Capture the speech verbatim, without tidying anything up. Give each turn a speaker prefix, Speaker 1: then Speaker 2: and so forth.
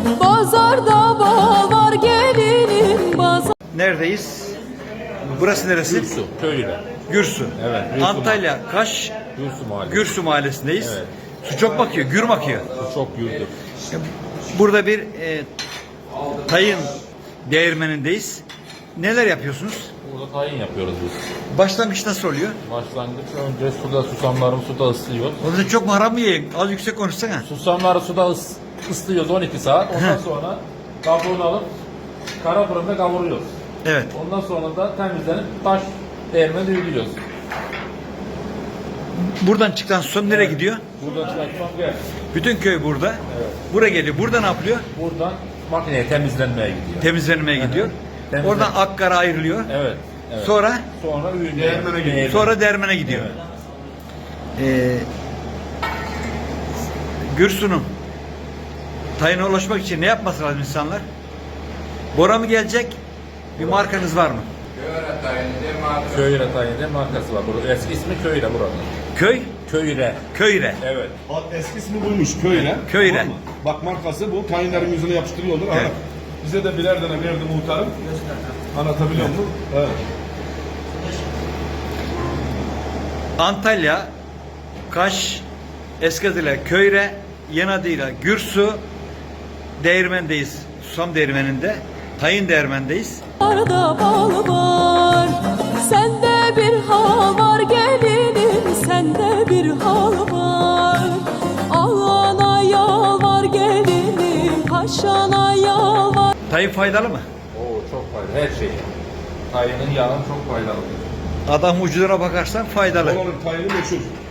Speaker 1: Pazarda bal var gelinim pazar.
Speaker 2: Neredeyiz? Burası neresi?
Speaker 3: Gürsu, köyüyle.
Speaker 2: Gürsu.
Speaker 3: Evet. Gürsu
Speaker 2: Antalya, Kaş,
Speaker 3: Gürsu Mahallesi.
Speaker 2: Gürsu mahallesindeyiz.
Speaker 3: Evet.
Speaker 2: Su çok bakıyor, gür bakıyor.
Speaker 3: Bu çok gürdür.
Speaker 2: Burada bir e, tayın değirmenindeyiz. Neler yapıyorsunuz?
Speaker 3: Burada tayin yapıyoruz biz.
Speaker 2: Başlangıç nasıl oluyor?
Speaker 3: Başlangıç önce suda susamlarımı suda ıslıyoruz.
Speaker 2: O zaman çok maharam mı yiyin? Az yüksek konuşsana.
Speaker 3: Susamları suda ıs, ıslıyoruz on iki saat. Ondan sonra kabuğunu alıp kara fırında kavuruyoruz.
Speaker 2: Evet.
Speaker 3: Ondan sonra da temizlenip taş değirmene düğülüyoruz.
Speaker 2: Buradan çıkan son nereye gidiyor?
Speaker 3: Buradan çıkan buraya.
Speaker 2: Bütün köy burada.
Speaker 3: Evet.
Speaker 2: Buraya geliyor. Burada ne yapılıyor?
Speaker 3: Buradan makineye temizlenmeye gidiyor.
Speaker 2: Temizlenmeye gidiyor.
Speaker 3: Temizlen-
Speaker 2: Oradan akkara ayrılıyor.
Speaker 3: Evet. evet.
Speaker 2: Sonra
Speaker 3: Sonra değirmene gidiyor.
Speaker 2: sonra dermene gidiyor.
Speaker 3: Evet.
Speaker 2: Ee, Gürsu'nun tayına ulaşmak için ne yapması lazım insanlar? Bora mı gelecek? Bir markanız var mı?
Speaker 3: Köyre tayinde markası var. Burada eski ismi Köyre buranın.
Speaker 2: Köy?
Speaker 3: Köyre.
Speaker 2: Köyre.
Speaker 3: Evet.
Speaker 4: Eski ismi buymuş Köyre.
Speaker 2: Köyre.
Speaker 4: Tamam mı? Bak markası bu. Tayinlerin yüzüne yapıştırıyorlar.
Speaker 2: Evet.
Speaker 4: Evet. Bize de birer tane verdi muhtarım. Anlatabiliyor muyum? Evet.
Speaker 2: Antalya, Kaş, eski adıyla Köyre, yeni adıyla Gürsu değirmendeyiz. Susam değirmeninde. Tayin değirmendeyiz.
Speaker 1: Pazarda bal var. Sende bir hal var gelinim, sende bir hal var. Ağana yal var gelinim, paşana yal var.
Speaker 2: Tayin faydalı mı?
Speaker 3: Oo çok faydalı. Her şey. Tayının yağı çok faydalı.
Speaker 2: Adam ucuna bakarsan faydalı.
Speaker 4: Oranın tayini meşhur.